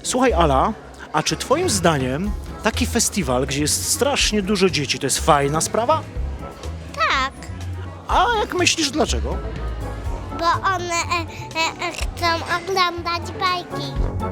Słuchaj, Ala, a czy twoim zdaniem taki festiwal, gdzie jest strasznie dużo dzieci, to jest fajna sprawa? Tak, A jak myślisz, dlaczego? bo one chcą oglądać bajki.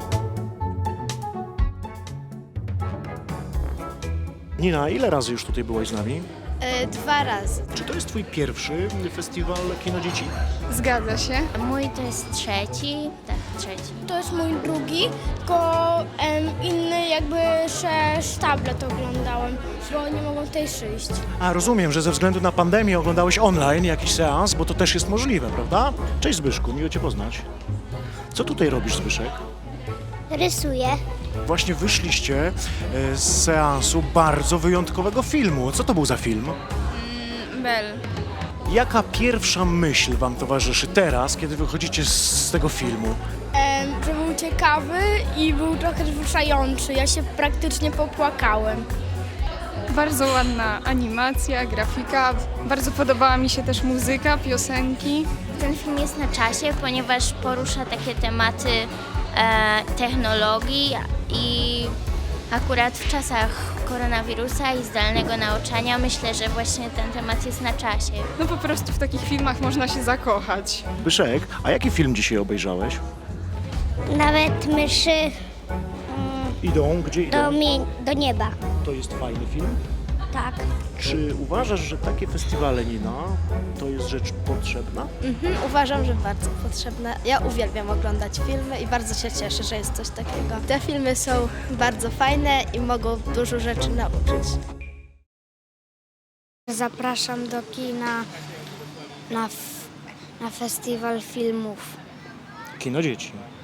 Nina, ile razy już tutaj byłaś z nami? 2 razy. Czy to jest twój pierwszy festiwal Kino Dzieci? Zgadza się. Mój to jest trzeci. Tak, trzeci. To jest mój drugi, tylko inny jakby tablet oglądałem, bo nie mogą tutaj przyjść. A, rozumiem, że ze względu na pandemię oglądałeś online jakiś seans, bo to też jest możliwe, prawda? Cześć Zbyszku, miło cię poznać. Co tutaj robisz, Zbyszek? Rysuję. Właśnie wyszliście z seansu bardzo wyjątkowego filmu. Co to był za film? Bel. Jaka pierwsza myśl wam towarzyszy teraz, kiedy wychodzicie z tego filmu? Że był ciekawy i był trochę wzruszający. Ja się praktycznie popłakałem. Bardzo ładna animacja, grafika. Bardzo podobała mi się też muzyka, piosenki. Ten film jest na czasie, ponieważ porusza takie tematy technologii i akurat w czasach koronawirusa i zdalnego nauczania myślę, że właśnie ten temat jest na czasie. No po prostu w takich filmach można się zakochać. Zbyszek, a jaki film dzisiaj obejrzałeś? Nawet myszy Idą, gdzie idą? do nieba. To jest fajny film. Tak. Czy uważasz, że takie festiwale, Nina, to jest rzecz potrzebna? Uważam, że bardzo potrzebne. Ja uwielbiam oglądać filmy i bardzo się cieszę, że jest coś takiego. Te filmy są bardzo fajne i mogą dużo rzeczy nauczyć. Zapraszam do kina na festiwal filmów. Kino Dzieci.